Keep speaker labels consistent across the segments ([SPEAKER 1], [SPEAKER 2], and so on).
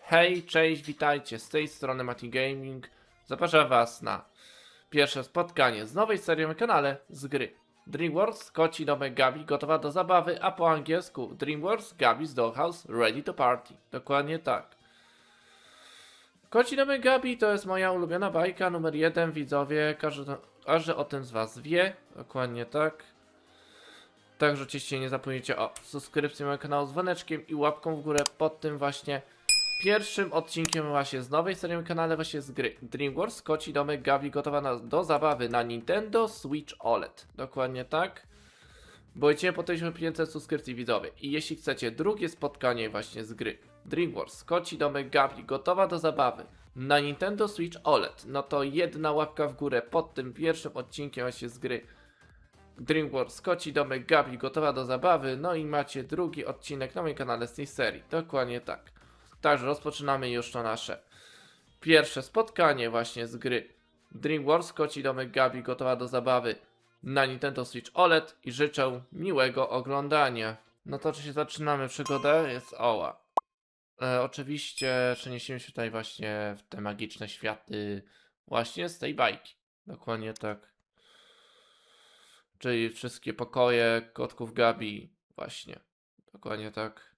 [SPEAKER 1] Hej, cześć, witajcie, z tej strony Mati Gaming. Zapraszam was na pierwsze spotkanie z nowej serii na kanale z gry DreamWorks Koci Domek Gabi gotowa do zabawy, a po angielsku DreamWorks Gabi's Dollhouse Ready to Party. Dokładnie tak. Koci Domek Gabi to jest moja ulubiona bajka numer 1, widzowie, każdy o tym z was wie. Dokładnie tak. Także oczywiście nie zapomnijcie o subskrypcji mojego kanału z dzwoneczkiem i łapką w górę pod tym właśnie pierwszym odcinkiem właśnie z nowej serii na kanale właśnie z gry DreamWorks Koci Domek Gabi gotowa do zabawy na Nintendo Switch OLED. Dokładnie tak. Bo idziemy po 1500 subskrypcji, widzowie. I jeśli chcecie drugie spotkanie właśnie z gry DreamWorks Koci Domek Gabi gotowa do zabawy na Nintendo Switch OLED, no to jedna łapka w górę pod tym pierwszym odcinkiem właśnie z gry DreamWorks Koci Domek Gabi gotowa do zabawy, no i macie drugi odcinek na moim kanale z tej serii. Dokładnie tak. Także rozpoczynamy już to nasze pierwsze spotkanie właśnie z gry DreamWorks Koci Domek Gabi gotowa do zabawy na Nintendo Switch OLED i życzę miłego oglądania. No to oczywiście zaczynamy przygodę, jest oła. Oczywiście przeniesiemy się tutaj właśnie w te magiczne światy właśnie z tej bajki. Dokładnie tak. Czyli wszystkie pokoje kotków Gabi właśnie. Dokładnie tak.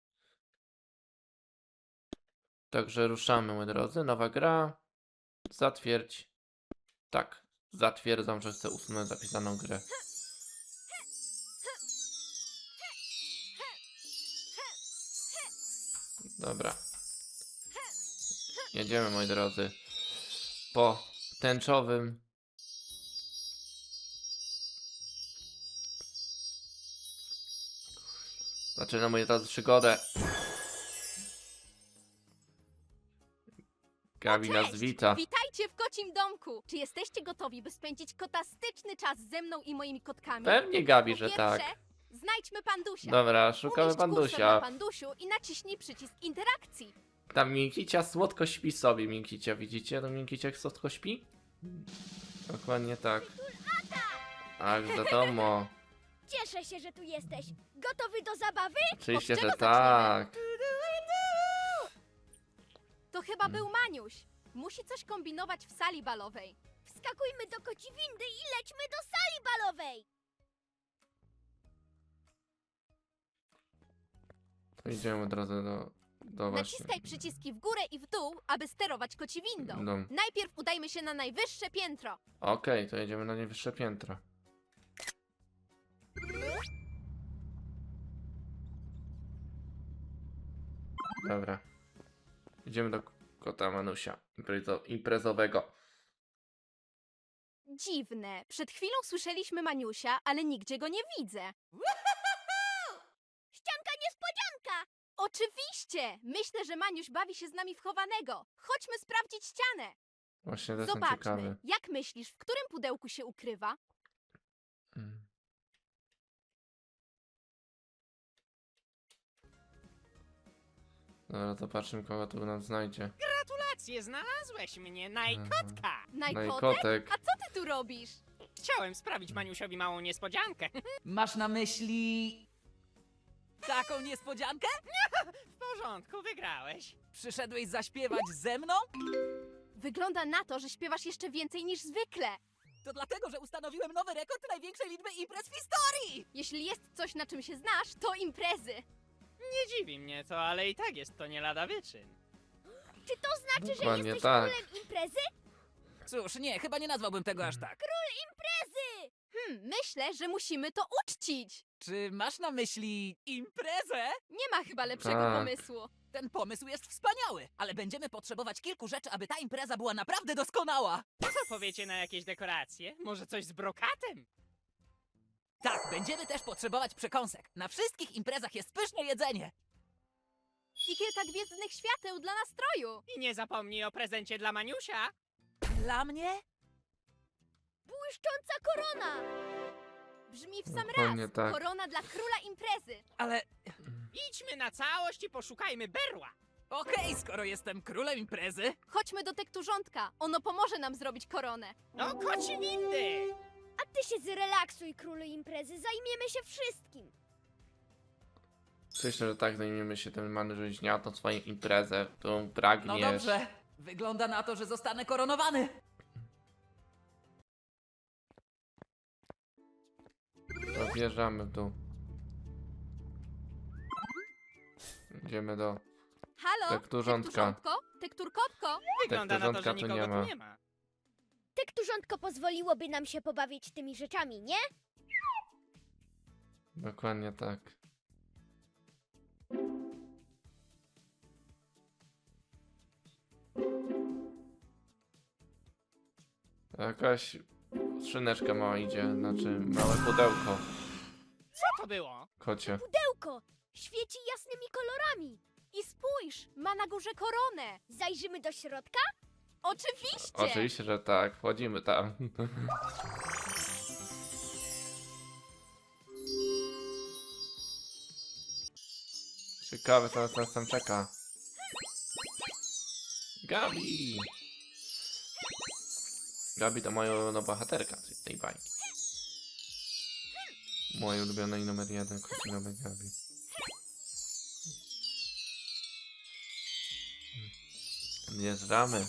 [SPEAKER 1] Także ruszamy, moi drodzy. Nowa gra. Zatwierdź. Tak. Zatwierdzam, że chcę usunąć zapisaną grę. Dobra. Jedziemy, moi drodzy. Po tęczowym. Zaczynamy, moi drodzy, przygodę. Gabi nas wita.
[SPEAKER 2] Witajcie w kocim domku! Czy jesteście gotowi, by spędzić kotastyczny czas ze mną i moimi kotkami?
[SPEAKER 1] Pewnie, Gabi,
[SPEAKER 2] Po
[SPEAKER 1] że
[SPEAKER 2] pierwsze,
[SPEAKER 1] tak.
[SPEAKER 2] znajdźmy Pandusia.
[SPEAKER 1] Dobra, szukamy
[SPEAKER 2] Umieść kursor na
[SPEAKER 1] Pandusia.
[SPEAKER 2] Pandusiu i naciśnij przycisk interakcji.
[SPEAKER 1] Tam Minkicia słodko śpi sobie, Minkicia. Widzicie? To Minkicia jak słodko śpi? Dokładnie tak. Ach, wiadomo.
[SPEAKER 3] Cieszę się, że tu jesteś. Gotowy do zabawy?
[SPEAKER 1] Oczywiście,
[SPEAKER 2] Od
[SPEAKER 1] że
[SPEAKER 2] czego
[SPEAKER 1] tak.
[SPEAKER 2] To chyba był Maniuś. Musi coś kombinować w sali balowej.
[SPEAKER 3] Wskakujmy do koci windy i lećmy do sali balowej.
[SPEAKER 1] To idziemy od razu do właśnie.
[SPEAKER 2] Naciskaj przyciski w górę i w dół, aby sterować koci windą.
[SPEAKER 1] No.
[SPEAKER 2] Najpierw udajmy się na najwyższe piętro.
[SPEAKER 1] Okej, to jedziemy na najwyższe piętro. Dobra. Idziemy do kota Manusia imprezowego.
[SPEAKER 2] Dziwne. Przed chwilą słyszeliśmy Maniusia, ale nigdzie go nie widzę.
[SPEAKER 3] Ścianka niespodzianka!
[SPEAKER 2] Oczywiście! Myślę, że Maniuś bawi się z nami w chowanego. Chodźmy sprawdzić cianę.
[SPEAKER 1] Właśnie też jestem ciekawy.
[SPEAKER 2] Zobaczmy. Jak myślisz, w którym pudełku się ukrywa?
[SPEAKER 1] Mm. Dobra, zobaczymy, kogo tu nam znajdzie.
[SPEAKER 4] Gratulacje, znalazłeś mnie, Najkotka!
[SPEAKER 2] Najkotek?
[SPEAKER 1] Najkotek.
[SPEAKER 2] A co ty tu robisz?
[SPEAKER 4] Chciałem sprawić Maniusiowi małą niespodziankę.
[SPEAKER 5] Masz na myśli... taką niespodziankę?
[SPEAKER 4] W porządku, wygrałeś.
[SPEAKER 5] Przyszedłeś zaśpiewać ze mną?
[SPEAKER 2] Wygląda na to, że śpiewasz jeszcze więcej niż zwykle.
[SPEAKER 5] To dlatego, że ustanowiłem nowy rekord największej liczby imprez w historii!
[SPEAKER 2] Jeśli jest coś, na czym się znasz, to imprezy.
[SPEAKER 4] Nie dziwi mnie to, ale i tak jest to nie lada wyczyn.
[SPEAKER 3] Czy to znaczy, że
[SPEAKER 1] Dokładnie
[SPEAKER 3] jesteś
[SPEAKER 1] tak.
[SPEAKER 3] królem imprezy?
[SPEAKER 5] Cóż, nie, chyba nie nazwałbym tego aż tak.
[SPEAKER 3] Imprezy!
[SPEAKER 2] Myślę, że musimy to uczcić.
[SPEAKER 5] Czy masz na myśli imprezę?
[SPEAKER 2] Nie ma chyba lepszego
[SPEAKER 1] Tak.
[SPEAKER 2] pomysłu.
[SPEAKER 5] Ten pomysł jest wspaniały, ale będziemy potrzebować kilku rzeczy, aby ta impreza była naprawdę doskonała.
[SPEAKER 4] Co powiecie na jakieś dekoracje? Może coś z brokatem?
[SPEAKER 5] Tak, będziemy też potrzebować przekąsek. Na wszystkich imprezach jest pyszne jedzenie.
[SPEAKER 2] I kilka gwiezdnych świateł dla nastroju.
[SPEAKER 4] I nie zapomnij o prezencie dla Maniusia.
[SPEAKER 5] Dla mnie?
[SPEAKER 3] Błyszcząca korona!
[SPEAKER 2] Brzmi w sam
[SPEAKER 1] Dokładnie
[SPEAKER 2] raz.
[SPEAKER 1] tak.
[SPEAKER 2] Korona dla króla imprezy.
[SPEAKER 5] Ale
[SPEAKER 4] Idźmy na całość i poszukajmy berła.
[SPEAKER 5] okej, skoro jestem królem imprezy.
[SPEAKER 2] Chodźmy do tekturzątka. Ono pomoże nam zrobić koronę.
[SPEAKER 4] No, koci windy!
[SPEAKER 3] A ty się zrelaksuj, królu imprezy, zajmiemy się wszystkim.
[SPEAKER 1] Myślę, że tak zajmiemy się tym manżyźniatą, swoją imprezę, którą
[SPEAKER 5] No
[SPEAKER 1] pragniesz.
[SPEAKER 5] dobrze. Wygląda na to, że zostanę koronowany.
[SPEAKER 1] To wjeżdżamy tu. Idziemy do...
[SPEAKER 2] Halo?
[SPEAKER 1] Tekturzątka.
[SPEAKER 2] Tekturzątko? Tekturkotko?
[SPEAKER 4] Wygląda na to, że
[SPEAKER 1] porządka tu
[SPEAKER 4] nikogo
[SPEAKER 1] nie ma.
[SPEAKER 4] tu nie ma.
[SPEAKER 3] Tekturzątko pozwoliłoby nam się pobawić tymi rzeczami, nie?
[SPEAKER 1] Dokładnie tak. Jakaś szyneczka mała idzie, znaczy małe pudełko,
[SPEAKER 4] Co to było?
[SPEAKER 1] kocie.
[SPEAKER 3] Pudełko! Świeci jasnymi kolorami!
[SPEAKER 2] I spójrz, ma na górze koronę.
[SPEAKER 3] Zajrzymy do środka?
[SPEAKER 2] Oczywiście.
[SPEAKER 1] Oczywiście, że tak, wchodzimy tam. Ciekawe, co nas tam czeka. Gabi! Gabi to moja ulubiona bohaterka z tej bajki. Moje ulubione i numer 1 kocinowe Gabi. Wjeżdżamy.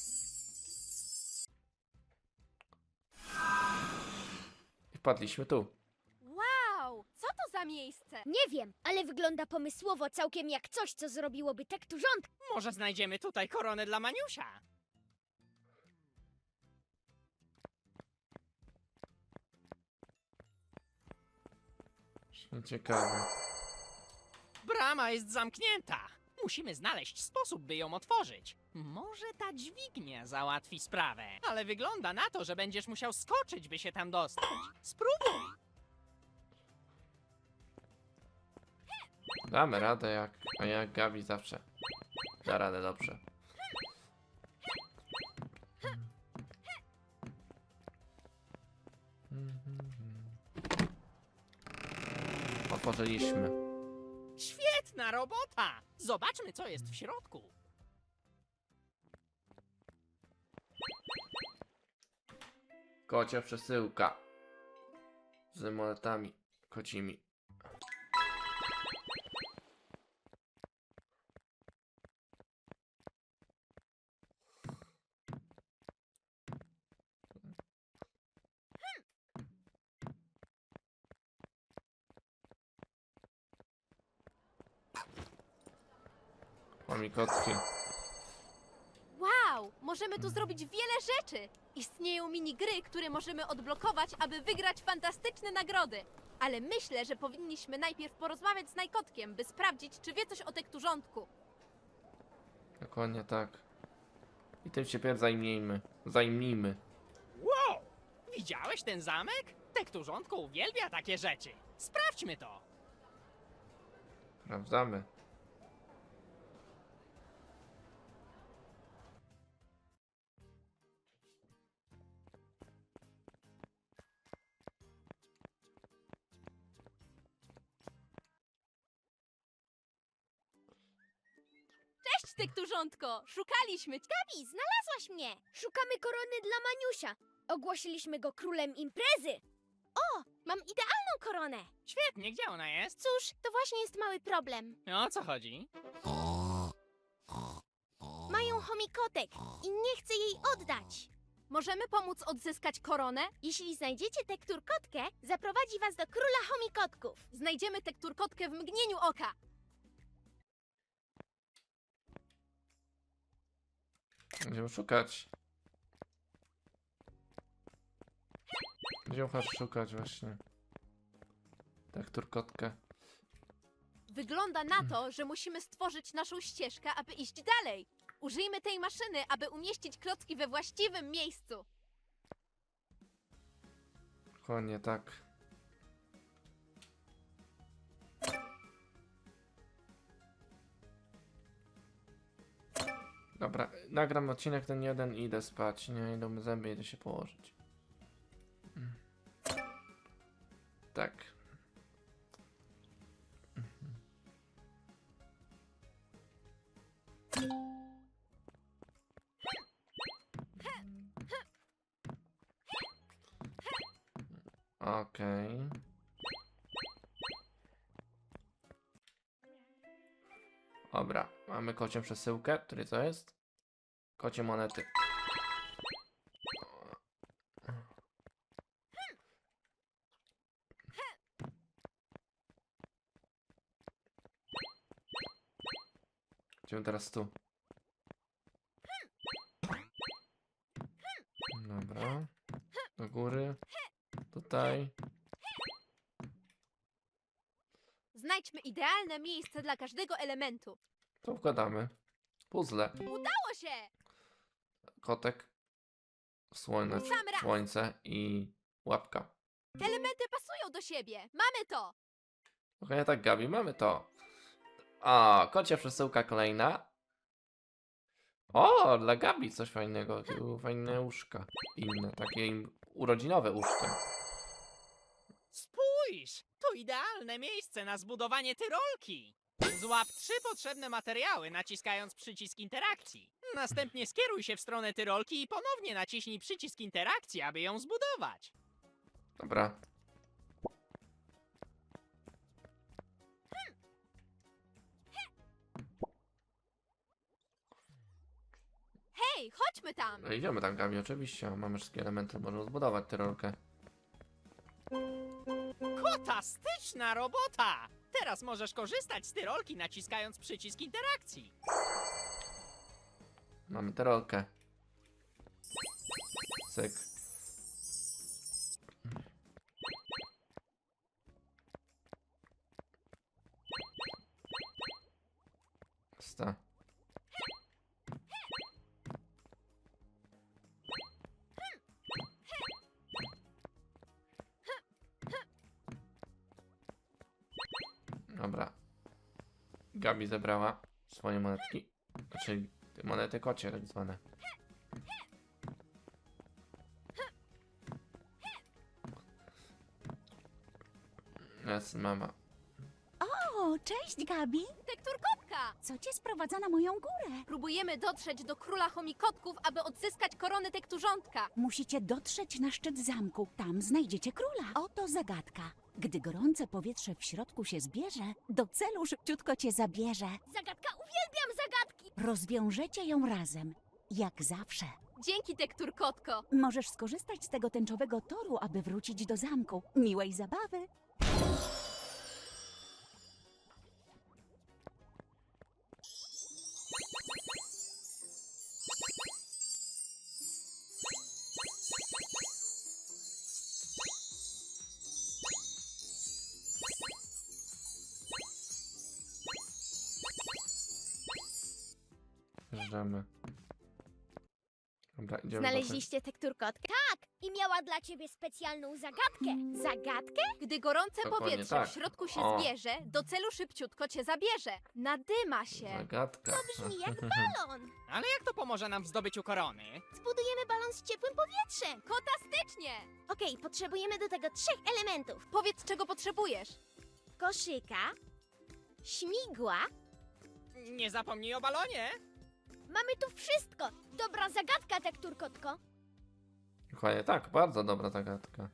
[SPEAKER 1] I wpadliśmy tu.
[SPEAKER 2] Wow, co to za miejsce?
[SPEAKER 3] Nie wiem, ale wygląda pomysłowo całkiem jak coś, co zrobiłoby tekturzątko.
[SPEAKER 4] Może znajdziemy tutaj koronę dla Maniusia?
[SPEAKER 1] Ciekawe.
[SPEAKER 4] Brama jest zamknięta. Musimy znaleźć sposób, by ją otworzyć. Może ta dźwignia załatwi sprawę. Ale wygląda na to, że będziesz musiał skoczyć, by się tam dostać. Spróbuj.
[SPEAKER 1] Damy radę jak Gabi zawsze. Da radę dobrze. Otworzyliśmy.
[SPEAKER 4] Świetna robota! Zobaczmy, co jest w środku.
[SPEAKER 1] Kocia przesyłka. Z monetami kocimi. Chomikocki.
[SPEAKER 2] Wow, możemy tu zrobić wiele rzeczy. Istnieją minigry, które możemy odblokować, aby wygrać fantastyczne nagrody. Ale myślę, że powinniśmy najpierw porozmawiać z Najkotkiem, by sprawdzić, czy wie coś o tekturzątku.
[SPEAKER 1] Dokładnie tak. I tym się pierw zajmijmy.
[SPEAKER 4] Wow! Widziałeś ten zamek? Tekturzątko uwielbia takie rzeczy. Sprawdźmy to.
[SPEAKER 1] Sprawdzamy.
[SPEAKER 2] Cześć, Tekturzątko! Szukaliśmy cię.
[SPEAKER 3] Gabi, znalazłaś mnie! Szukamy korony dla Maniusia. Ogłosiliśmy go królem imprezy. O, mam idealną koronę.
[SPEAKER 4] Świetnie, gdzie ona jest?
[SPEAKER 3] Cóż, to właśnie jest mały problem.
[SPEAKER 4] O co chodzi?
[SPEAKER 3] Mają chomikotek i nie chcę jej oddać.
[SPEAKER 2] Możemy pomóc odzyskać koronę?
[SPEAKER 3] Jeśli znajdziecie tekturkotkę, zaprowadzi was do króla chomikotków.
[SPEAKER 2] Znajdziemy tekturkotkę w mgnieniu oka.
[SPEAKER 1] Będziemy szukać. Będziemy szukać właśnie. Tak, turkotkę.
[SPEAKER 2] Wygląda na to, że musimy stworzyć naszą ścieżkę, aby iść dalej. Użyjmy tej maszyny, aby umieścić klocki we właściwym miejscu.
[SPEAKER 1] Dokładnie tak. Dobra, nagram odcinek ten jeden i idę spać. Nie, idą mi zęby, idę się położyć. Tak. Okej. Dobra, mamy kocią przesyłkę. Który to jest? Kocie monety. Idziemy teraz tu. Dobra. Do góry. Tutaj.
[SPEAKER 2] Znajdźmy idealne miejsce dla każdego elementu.
[SPEAKER 1] To wkładamy. Puzzle.
[SPEAKER 2] Udało się!
[SPEAKER 1] Kotek.
[SPEAKER 2] Sam raz.
[SPEAKER 1] Słońce i łapka.
[SPEAKER 2] Elementy pasują do siebie. Mamy to!
[SPEAKER 1] Dokładnie tak, Gabi, mamy to. A, kocia przesyłka kolejna. O, dla Gabi coś fajnego. Tu fajne łóżka. Inne, takie urodzinowe łóżka.
[SPEAKER 4] Spójrz! To idealne miejsce na zbudowanie tyrolki. Złap 3 potrzebne materiały, naciskając przycisk interakcji. Następnie skieruj się w stronę tyrolki i ponownie naciśnij przycisk interakcji, aby ją zbudować.
[SPEAKER 1] Dobra.
[SPEAKER 2] Hej, chodźmy tam!
[SPEAKER 1] No idziemy tam, Gabi, oczywiście. Mamy wszystkie elementy, możemy zbudować tyrolkę.
[SPEAKER 4] Fantastyczna robota! Teraz możesz korzystać z tyrolki, naciskając przycisk interakcji.
[SPEAKER 1] Mamy tyrolkę. Cyk. Sta. Dobra. Gabi zebrała swoje monetki. Czyli monety kocie tak zwane. Jest mama.
[SPEAKER 6] O, cześć Gabi!
[SPEAKER 2] Tekturkotka!
[SPEAKER 6] Co cię sprowadza na moją górę?
[SPEAKER 2] Próbujemy dotrzeć do króla chomikotków, aby odzyskać koronę tekturzątka.
[SPEAKER 6] Musicie dotrzeć na szczyt zamku. Tam znajdziecie króla. Oto zagadka. Gdy gorące powietrze w środku się zbierze, do celu szybciutko cię zabierze.
[SPEAKER 3] Zagadka, uwielbiam zagadki!
[SPEAKER 6] Rozwiążecie ją razem. Jak zawsze.
[SPEAKER 2] Dzięki, tekturkotko.
[SPEAKER 6] Możesz skorzystać z tego tęczowego toru, aby wrócić do zamku. Miłej zabawy!
[SPEAKER 1] Wjeżdżamy. Dobra, idziemy
[SPEAKER 3] Znaleźliście tekturkotkę? Tak! I miała dla ciebie specjalną zagadkę. Zagadkę?
[SPEAKER 2] Gdy gorące
[SPEAKER 1] Dokładnie
[SPEAKER 2] powietrze
[SPEAKER 1] tak.
[SPEAKER 2] w środku się
[SPEAKER 1] O.
[SPEAKER 2] zbierze, do celu szybciutko cię zabierze. Nadyma się.
[SPEAKER 1] Zagadka.
[SPEAKER 3] Brzmi jak balon.
[SPEAKER 4] Ale jak to pomoże nam w zdobyciu korony?
[SPEAKER 3] Zbudujemy balon z ciepłym powietrzem.
[SPEAKER 2] Fantastycznie!
[SPEAKER 3] Okej, potrzebujemy do tego 3 elementów.
[SPEAKER 2] Powiedz, czego potrzebujesz.
[SPEAKER 3] Koszyka, śmigła.
[SPEAKER 4] Nie zapomnij o balonie!
[SPEAKER 3] Mamy tu wszystko. Dobra zagadka, tekturkotko.
[SPEAKER 1] Dokładnie tak, bardzo dobra zagadka.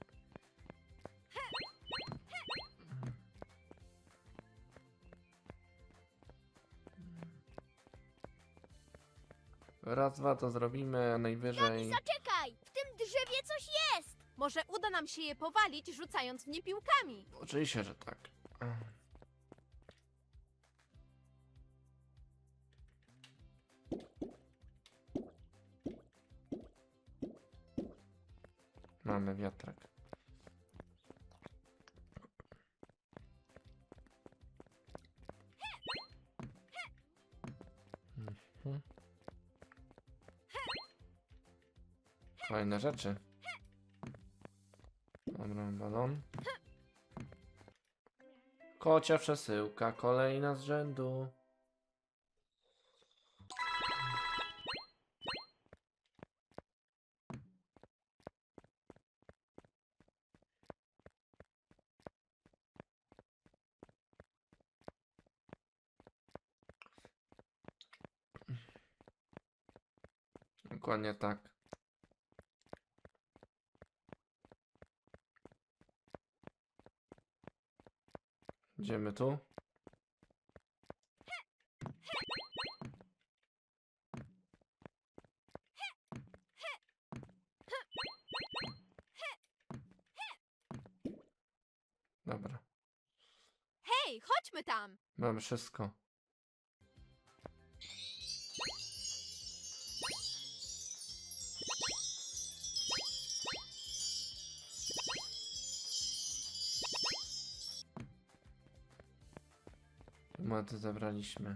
[SPEAKER 1] Raz, dwa to zrobimy, a najwyżej...
[SPEAKER 3] Zaczekaj! W tym drzewie coś jest!
[SPEAKER 2] Może uda nam się je powalić, rzucając w nie piłkami.
[SPEAKER 1] Oczywiście, że tak. Mamy wiatrak. Mhm. Kolejne rzeczy. Dobra, balon. Kocia przesyłka, kolejna z rzędu. Dokładnie tak. Idziemy tu. Dobra.
[SPEAKER 2] Hej, chodźmy tam!
[SPEAKER 1] Mamy wszystko. Monety zabraliśmy.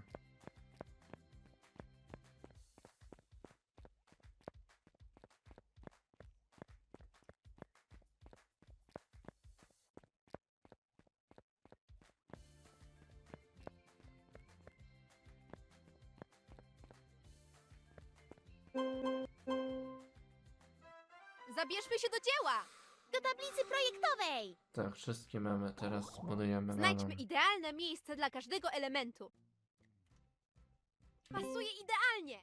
[SPEAKER 2] Zabierzmy się do dzieła!
[SPEAKER 3] Do tablicy projektowej!
[SPEAKER 1] Tak, wszystkie mamy. Teraz budujemy
[SPEAKER 2] Znajdźmy
[SPEAKER 1] nową.
[SPEAKER 2] idealne miejsce dla każdego elementu. Pasuje idealnie!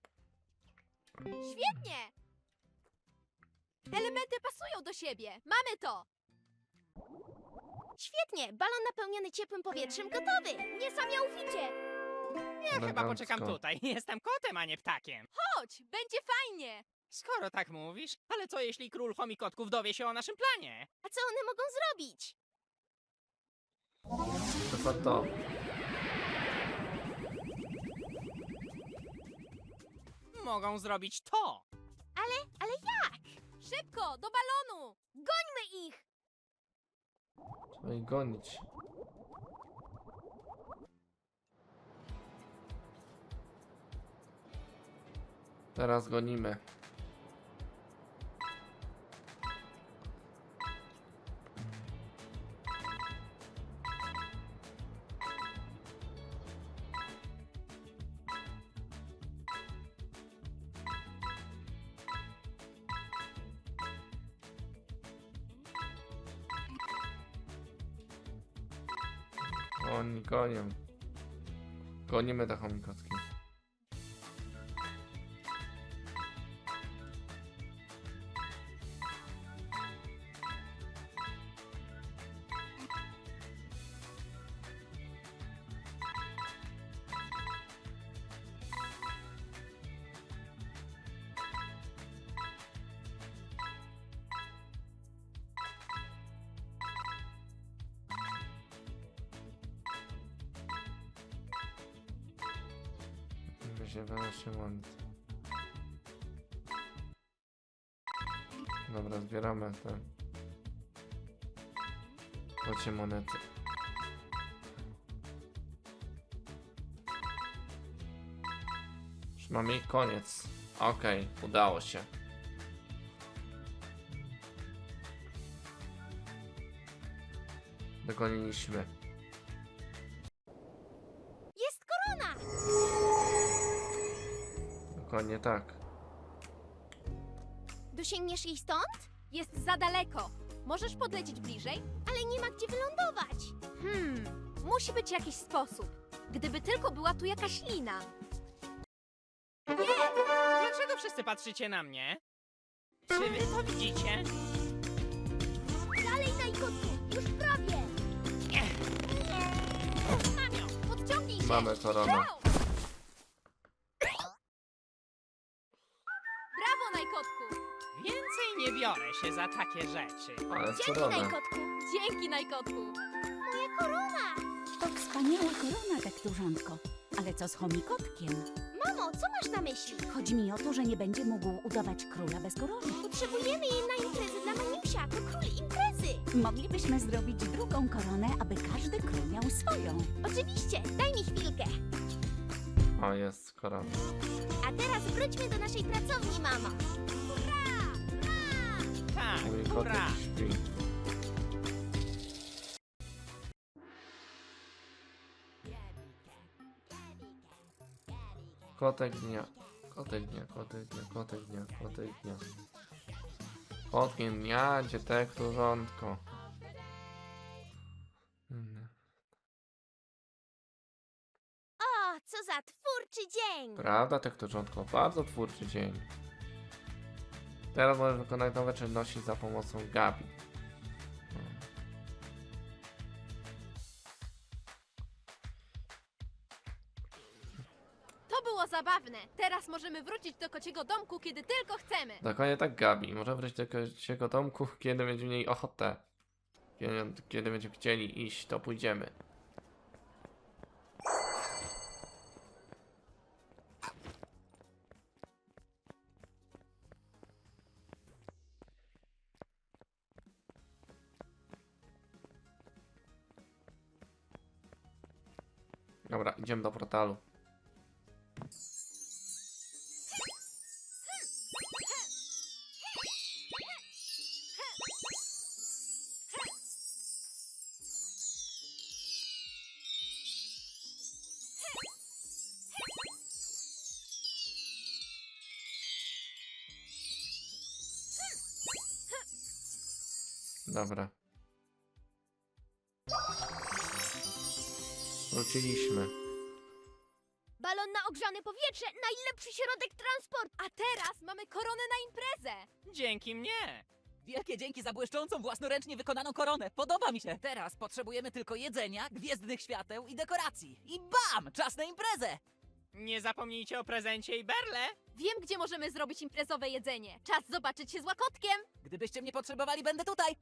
[SPEAKER 2] Świetnie! Elementy pasują do siebie! Mamy to!
[SPEAKER 3] Świetnie! Balon napełniony ciepłym powietrzem gotowy! Niesamowicie!
[SPEAKER 4] Ja chyba
[SPEAKER 1] Elegancko.
[SPEAKER 4] poczekam tutaj. Jestem kotem, a nie ptakiem.
[SPEAKER 2] Chodź, będzie fajnie!
[SPEAKER 4] Skoro tak mówisz, ale co jeśli król chomikotków dowie się o naszym planie?
[SPEAKER 3] A co one mogą zrobić?
[SPEAKER 1] To co to?
[SPEAKER 4] Mogą zrobić to.
[SPEAKER 3] Ale jak?
[SPEAKER 2] Szybko, do balonu!
[SPEAKER 3] Gońmy ich!
[SPEAKER 1] Trzeba ich gonić. Teraz gonimy. Oni gonią. Gonimy te chomikotki. Się się monet. Dobra, zbieramy te kocie monety. Już mamy ich koniec. Okej, udało się. Dogoniliśmy.
[SPEAKER 3] Jest korona!
[SPEAKER 1] Dokładnie tak.
[SPEAKER 3] Dosięgniesz jej stąd?
[SPEAKER 2] Jest za daleko. Możesz podlecieć bliżej?
[SPEAKER 3] Ale nie ma gdzie wylądować.
[SPEAKER 2] Musi być jakiś sposób. Gdyby tylko była tu jakaś lina.
[SPEAKER 4] Dlaczego wszyscy patrzycie na mnie? Czy wy to widzicie?
[SPEAKER 3] Dalej, Najkotku! Już prawie!
[SPEAKER 4] Mam ją!
[SPEAKER 2] Podciągnij się!
[SPEAKER 1] Mamy koronę.
[SPEAKER 2] Go! Brawo, Najkotku!
[SPEAKER 4] Więcej nie biorę się za takie rzeczy.
[SPEAKER 1] Ale
[SPEAKER 3] Dzięki,
[SPEAKER 1] koronę.
[SPEAKER 3] Najkotku!
[SPEAKER 2] Dzięki, Najkotku!
[SPEAKER 3] Moja korona!
[SPEAKER 6] To wspaniała korona, tekturzątko. Ale co z chomikotkiem?
[SPEAKER 3] Mamo, co masz na myśli?
[SPEAKER 6] Chodzi mi o to, że nie będzie mógł udawać króla bez korony.
[SPEAKER 3] Potrzebujemy jej na imprezę dla Maniusia. To król imprezy!
[SPEAKER 6] Moglibyśmy zrobić drugą koronę, aby każdy król miał swoją.
[SPEAKER 3] Oczywiście, daj mi chwilkę.
[SPEAKER 1] O, jest korona.
[SPEAKER 3] A teraz wróćmy do naszej pracowni, mamo.
[SPEAKER 4] Tak,
[SPEAKER 1] Mój
[SPEAKER 4] hurra!
[SPEAKER 1] kotek śpi. Kotek dnia. Kotek dnia, kotek dnia, kotek dnia, kotek dnia. Kotkiem dnia, gdzie tekturzątko.
[SPEAKER 3] O, co za twórczy dzień!
[SPEAKER 1] Prawda, tekturzątko? Bardzo twórczy dzień. Teraz możesz wykonać nowe czynności za pomocą Gabi.
[SPEAKER 2] To było zabawne. Teraz możemy wrócić do kociego domku, kiedy tylko chcemy.
[SPEAKER 1] Dokładnie tak, Gabi. Może wrócić do kociego domku, kiedy będzie mieli ochotę. Kiedy będziemy chcieli iść, to pójdziemy. Dobra, idziemy do portalu. Dobra. Wróciliśmy.
[SPEAKER 3] Balon na ogrzane powietrze, najlepszy środek transportu.
[SPEAKER 2] A teraz mamy koronę na imprezę!
[SPEAKER 4] Dzięki mnie!
[SPEAKER 5] Wielkie dzięki za błyszczącą, własnoręcznie wykonaną koronę. Podoba mi się. Teraz potrzebujemy tylko jedzenia, gwiezdnych świateł i dekoracji. I bam! Czas na imprezę!
[SPEAKER 4] Nie zapomnijcie o prezencie i berle!
[SPEAKER 2] Wiem, gdzie możemy zrobić imprezowe jedzenie. Czas zobaczyć się z Łakotkiem!
[SPEAKER 5] Gdybyście mnie potrzebowali, będę tutaj.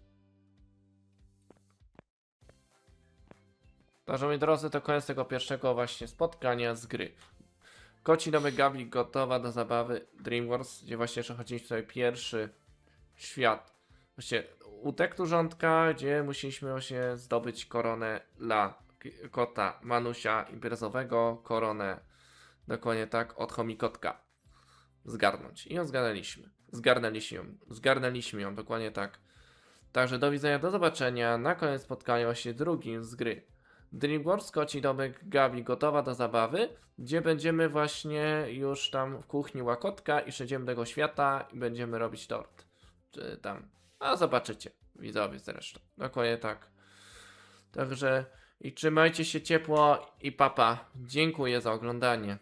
[SPEAKER 1] Także moi drodzy, to koniec tego pierwszego właśnie spotkania z gry. Koci domek Gabi gotowa do zabawy DreamWorks, gdzie właśnie przechodziliśmy sobie pierwszy świat. Właśnie u tekturzątka, gdzie musieliśmy właśnie zdobyć koronę dla kota Manusia imprezowego, koronę dokładnie tak od chomikotka zgarnąć. I ją zgarnęliśmy. Zgarnęliśmy ją dokładnie tak. Także do widzenia, do zobaczenia na koniec spotkania właśnie drugim z gry. DreamWorks Koci domek Gabi gotowa do zabawy, gdzie będziemy właśnie już tam w kuchni Łakotka i przejdziemy do tego świata i będziemy robić tort. Czy tam, a zobaczycie, widzowie zresztą. Dokładnie tak. Także i trzymajcie się ciepło i papa. Dziękuję za oglądanie.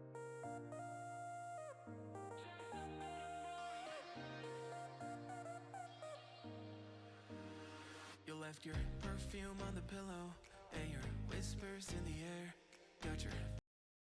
[SPEAKER 7] You left your perfume on the pillow and your whispers in the air. Got your